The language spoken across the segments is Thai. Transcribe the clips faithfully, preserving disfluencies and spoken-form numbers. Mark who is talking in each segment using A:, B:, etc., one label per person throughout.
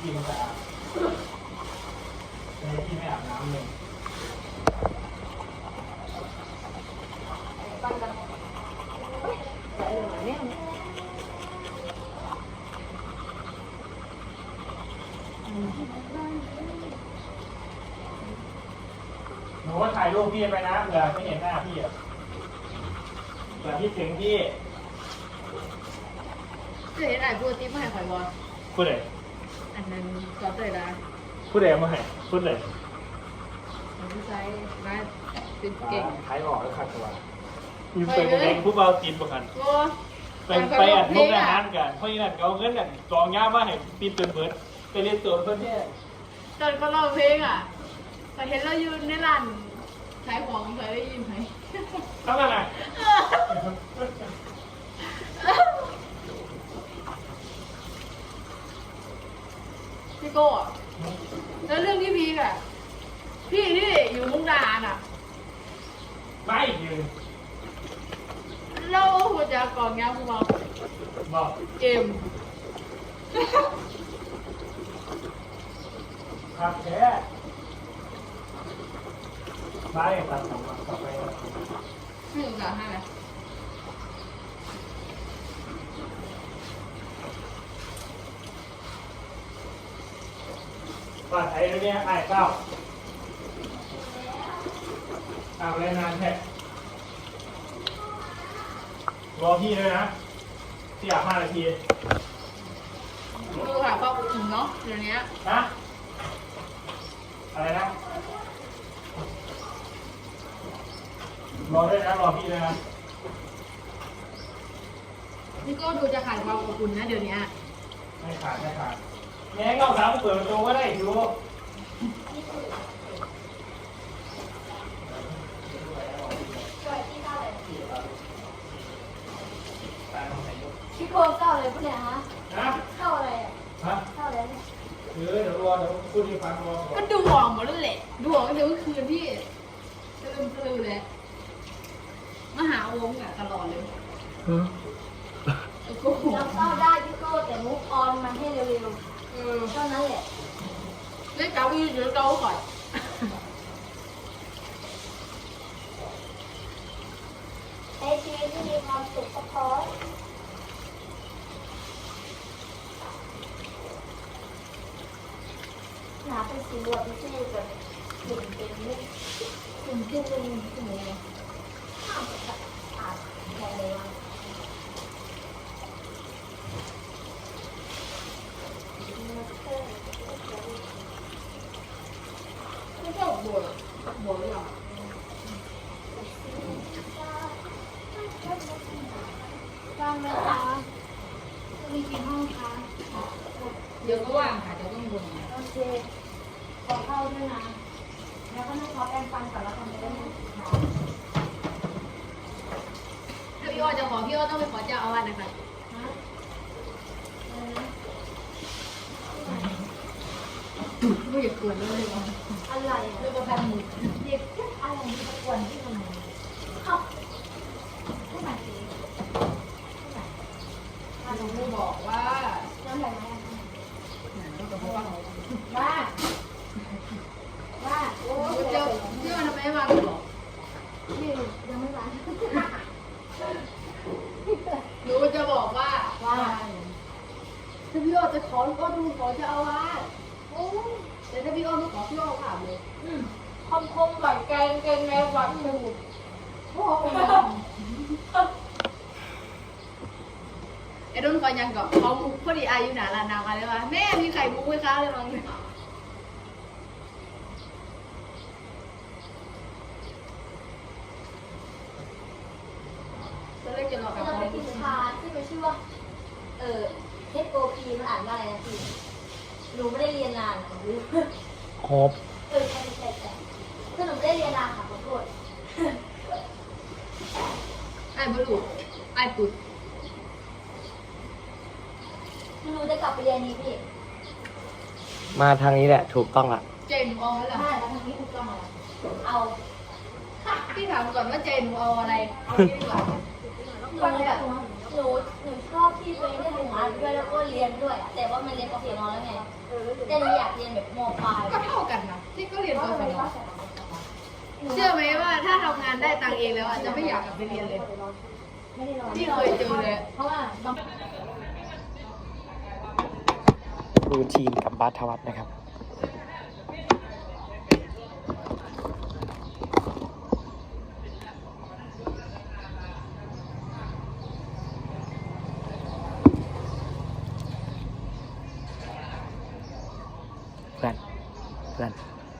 A: พี่มันสะอาดเลยพี่ไม่อาบน้ำเลย
B: ปันกันใส่เลยเนี่ย
A: หนูว่าถ่ายรูปพี่ไปนะเผื่อไม่เห็นหน้าพี่อ่ะเผื่อพี่ถึงพี่
B: เจ๊ไหนพูดติ๊บมาให้ข่อยบอล
A: พูดเลย
B: อันนั้นก็เตยนะ
A: พูดเลยมาให้พูดเลย
B: มันใช้มาเป็นเก่ง
A: ขายออกแล้วขัดตัวมีเป็นเองผู้เบาตีนประกันเป็นไปอัดมุกอาหารกันเพราะฉะนั้นเขาเงินอันกองย่ามาให้ตีนเป็นเบิร์ดไปเรียนตัวเพื่อนเนี่ย
B: ตอนก็ร้องเพลงอ่ะแต่เห็นเราอยู่ในร้านขายของเคยได้ยินไหม
A: เท่านั้นแหละ
B: พี่โก้แล้วเรื่องที่พีกอ่ะพี่ที่อยู่มุกดาหารอ่ะ
A: ไม่ยืน
B: เราหัวใจกองยาคุณบอก
A: บอก
B: เกม
A: ครับแค่ไม่ตัดสองตัดต่อไป
B: ไม่ถึงสามห้าเลย
A: ปาดไอ้เนี่ยไอ้เก้าเอาเลยนานแค่รอพี่เลยนะที่อยากห้านาที
B: ดูค่ะความอุ่นเนาะเดี๋ยวนี้
A: นะอะไรนะรอด้วยนะรอพี่เลยนะ
B: นี่ก็ดูจะขาดความอบอุ่นนะเดี๋ยวนี้
A: ไม่ขาดไม่ขาดแง่เงาสามเปิดประตูก็ได้ดู
C: พี่โคเข้าอะไรพวกเนี้ยฮะ
A: นะ
C: เข้าอะไรอ่ะ
A: ฮะ
C: เข้าอะไรเนี่ย
A: เดี๋ยวเดี๋ยวรอเดี๋ยวพูดให้ฟังรอก่อน
B: ก็ดูหอมหมดแล้วแหละดูหอมก็เดี๋ยวคืนพี่จะลืมปลือเลยมาหาโอมอ่ะตลอดเลย
C: เราเข้าได้พี่โก้แต่มุกออนมันให้เร็วๆเท่านั้นแหละ
B: เล่นเก้าอี้เดี๋ยวเก้าก่อน
C: ใช้ชีวิตที่มีความสุขก็พอหนาเป็นสีบวกไม่ใช่แบบหุ่นเป็นมุกหุ่นขึ้นเป็นหุ่นเลยข้ามแบบอาบแค่เลยว่า
B: ไม่ชอบบัวบัวหรือเปล่า
C: ว่างไหมคะมีกี่ห้องคะ
B: เดี๋ยวก็ว่างค่ะเดี๋ยวต้องบน
C: โอเคขอเข้าด้วยนะแล้วก็นั่งขอแปรงฟันก่อนแล้วทำไปได้ไหม
B: ถ้าพี่อ้อจะขอพี่อ้อต้องไปขอเจ้าอาวาสนะคะไม่อยากกวนเลย
C: อะไรอ่ะ
B: เรื่องประพันธ์หมู่
C: เด็กอะไรมีตะกวนที่ทำไมเข้าไม่มาสิ
B: ถ้าหนูไม่บอกว่า
C: น้ำไหลไหมว่าว่าโอ้ย
B: เจ้าพี่อ้อทำไมไม่วางหรอ
C: พี่ยังไม่ร้าน
B: หนูจะบอกว่าว่าถ้าพี่อ้อจะขอก็ดูขอเจ้าอาวาสโอ้แต่ถ้าพี่อ้อไม่ขอพี่อ้อถามเลย
C: คมคมหวานแกงแกงในหวานหมูโอ้โห
B: ไอ้รุ่นคอยยังกับเขามุกพอดีอายุหนาลานาวอะไรวะแม่มีไข่มุกไหมคะเลยมั้งตอนแรกจะรอกับ
C: เราไปกินชาที่มันชื่อว่าเออ H O P มันอ่านว่าอะไรนะพี่หนูไม่ได้เรียนนานหรือ
A: ครบ
C: เออใช่ใช่ใช่คือหนูไม่ได้เรียนนานค่ะขอโทษ
B: ไอ้บลูไอ้ปุ๊ด
C: หนูจะกลับไปเรียนนี้พี่
D: มาทางนี้แหละถูกต้องละ
B: เจนเอาอะไร
C: ใช่แล้วทางนี้ถูกต้องแล้วเอา
B: พี่ถามก่อนว่าเจนเอาอะไรเอาที่ดีกว่า
C: หนูแบบหนูหนูชอบที่ตัวเองได้ทำงานด้วยแล้วก็เรียนด้วยแต่ว่ามันเรียนปกตินอนแล้วไงแต่หนูอยากเรียนแบบมปลาย
B: ก็เท่ากันนะที่ก็เรียนกศนเชื่อไหมว่าถ้าทำงานได้ตังค์เองแล้วอ่ะจะไม่อยากกลับไปเรียนเลย
C: ไม่ได้รอ
B: ที่เคยเจอเลย
C: เพราะว่าบาง
D: รูทีนกับบัสทวัฒน์นะครับ เพื่อน เพื่อน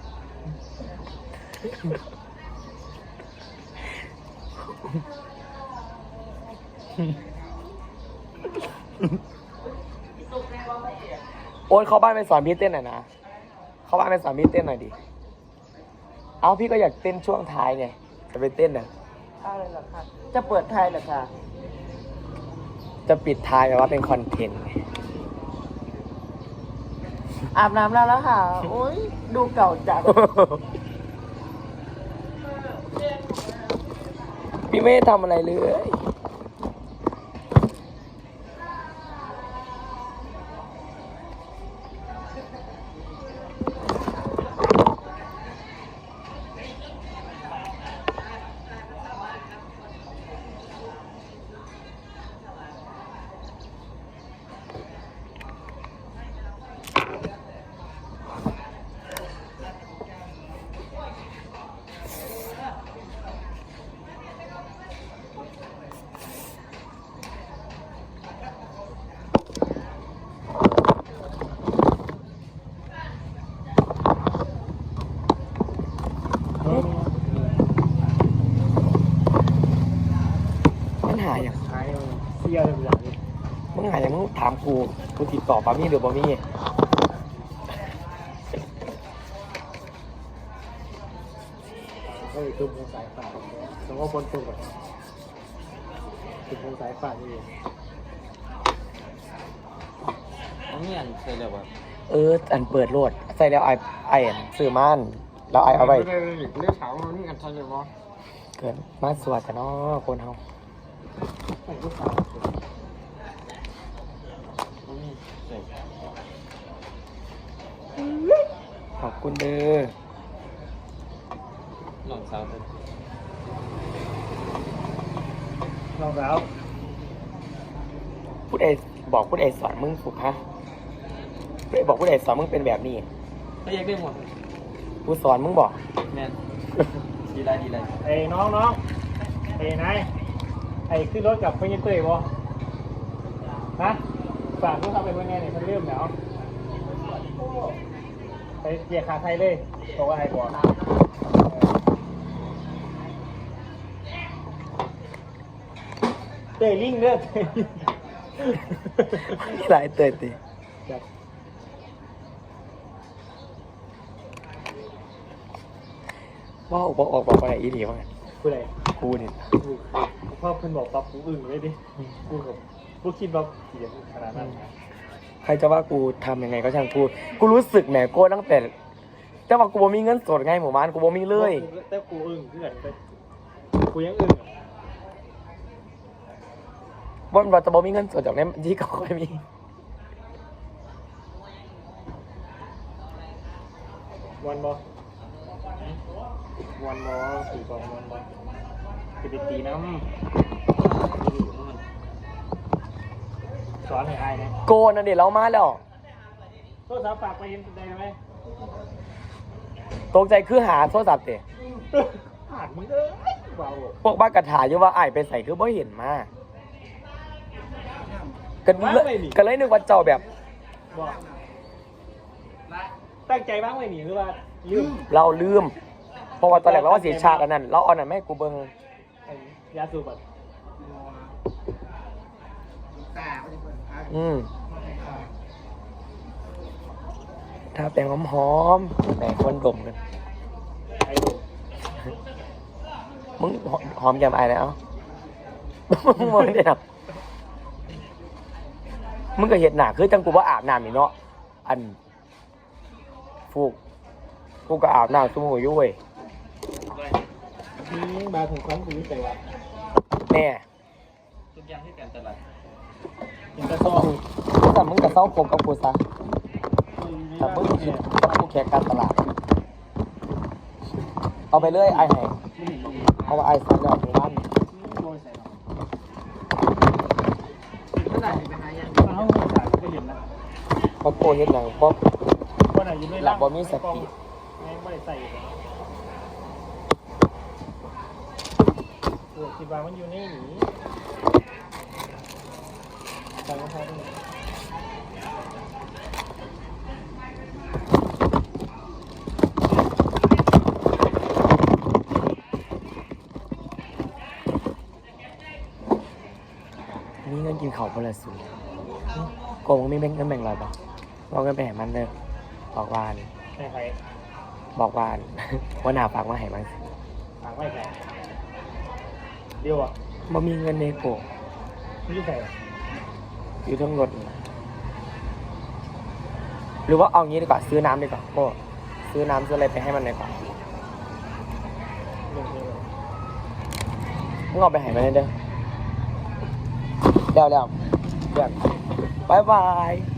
D: โอ๊ตเข้าบ้านไปสอนพี่เต้นหน่อยนะ เข้าบ้านไปสอนพี่เต้นหน่อยดิ เอาพี่ก็อยากเต้นช่วงท้ายไง จะไปเต้นน่ะ
E: อะไรเหรอคะจะเปิดไทยเหรอคะ
D: จะปิดท้ายแบบว่าเป็นคอนเทนต์ไง
E: อาบน้ำแล้วแล้วค่ะ โอ้ยดูเก่าจัง
D: พี่ไม่ได้ทำอะไรเลย มันหาอย่าง
A: หายเสียเลยอย่างนี้
D: มึงหาอย่างมึงถามกู กูติดต่อปามี่หรือปามี่
A: ก็เลยตุ้มตรงสายฝาสมมติว่าบนตุ้มแบบตุ้มตรงสายฝานี่เอง
E: นี่อันเคยเลยว่า
D: เออ อันเปิดโหลด ใส่แล้วไอไออันซื้อม่านแล้วไอเอาไว้
E: ไม่ได้เรื่องถามว่านี่อันเคยเลยว่า
D: เกินมาสวดกันเนาะคนเฮา
A: ผมก็สาว
D: ขอบคุณเด้อ
E: หลงสาวเป็น
A: น้องสาว
D: พูดไอบอกพูดไอสอนมึงถูกฮะพูดไอบอกพูดไอสอนมึงเป็นแบบนี้
E: ก็ยังได้หมด
D: กูสอนมึงบอก
E: แน่นดีไรดีไร
A: ไอ้น้องน้องไอ้นายไอ้ขึ้นรถกับเพื่อนเต้ยบ่ฮะฝากลูกค้าเป็นว่าไงเนี่ยมันเริ่มแล้วไปเกียร์ขาไทยเลยบอกว่าไอ้บอกเต้ยลิงเด้อเต้ย
D: มีหลายเตยติ
A: จับ
D: ว่าออกบอกออกบอกอะไรอีหลีว่าไง
A: กูไหน
D: กูนี่
A: กูพ่อเพิ่นบอกปั๊บกูอึ้งเลยดิกูกับกูคิดว่าเขียนขนาดนั้น
D: ใครจะว่ากูทำยังไงก็ช่างพูด กูรู้สึกแหมโก้ตั้งแต่แต่ว่ากูบ่มีเงินสดไงหมู่บ้านกูบ่มีเลย
A: แต่กูอึ้งเพื่อนแต่กูยังอึ้งอะ
D: ว่าเราจะบ่มีเงินสดจากนั้นที่เขาค่อยมี
A: วันบอวันบอสี่กองวันบอจะไปตีน้ำสอนให้อายนะ
D: โกนั่นเดี๋ยวเรามาแล้ว
A: โทรศัพท์ฝากไปเห็นได้ไหม
D: ตกใจคือหาโทรศัพท์เตะ
A: ผ่านมึงเอ้ยเบา
D: พวกบ้านกระถาอยู่ว่าไอ้ายไปใส่คือบ่เห็นมากันเลยกันเลยนึกว่าเจ้าแบบ
A: บอกตั้งใจบ้างไหมหนิหรือว่าลืม
D: เราลืม เพราะว่าตอนแรกเราว่าเสียชาติอันนั้นเราเอาอันนั้นไม่ให้กูเบิ่ง
A: ไอ้ยาสูบแบบ
D: อืมถ้าแปลงหอมๆแปลงคนดมกัน
A: ไอ้ดู
D: มึงหอมแก้มไอ้แล้วมึงมองได้หนักมึงก็เห็นหนาคือจังกูว่าอาบน้ำนี่เนาะอันฟูกกูก็อาบน้ำซุ่มหัวยุ่ย
A: นี่มาถึงครั้งกูแต่ว่า
D: แน่
E: ทุกอย่างที่การตลาด
A: ยังกระซ้อ
D: แต่มึงกับเศร้าผมกับกูซะ
A: ไม่
D: แต่เพิ่งคิดว่าผู้แข่งการตลาด เอาไปเลยไอ้แห่งเอาว่าไอ้สันแล้วหมู่บ้าน
E: เมื่อไหร่ไปหายัง
A: ถ้าเขาไม่จ่ายก็เห็นนะ
D: เพราะโกเฮ็ดหยังเพราะ
A: ว่าไหนอยู่ใน
D: หลักบ่มีสติ
A: แม่งไม่ได้ใส่โอ้คิดว่ามันอยู่ในหนีใส่รองเท้าด้วย
D: มีเงินกินเขาวคนละสูโกงมีเงินเงินแบ่งเราปะบอกเงินไปให้มันเด้อบอกวาน
A: ใช่ใคร
D: บอกวาน ว่าหนาฝากมาให้มัน
A: ฝากไว้ใครเดียวอ่ะ
D: บ่มีเงินในโก
A: ไม่ใช่
D: อยู่ทั้งรถนี่หรือว่าเอางี้ดีกว่าซื้อน้ำดีกว่าโก้ซื้อน้ำซื้ออะไรไปให้มันดีกว่า
A: ลงเทเลย
D: มึงเอาไปให้มันเด้อแล้วแล้วเพื่อนบายบาย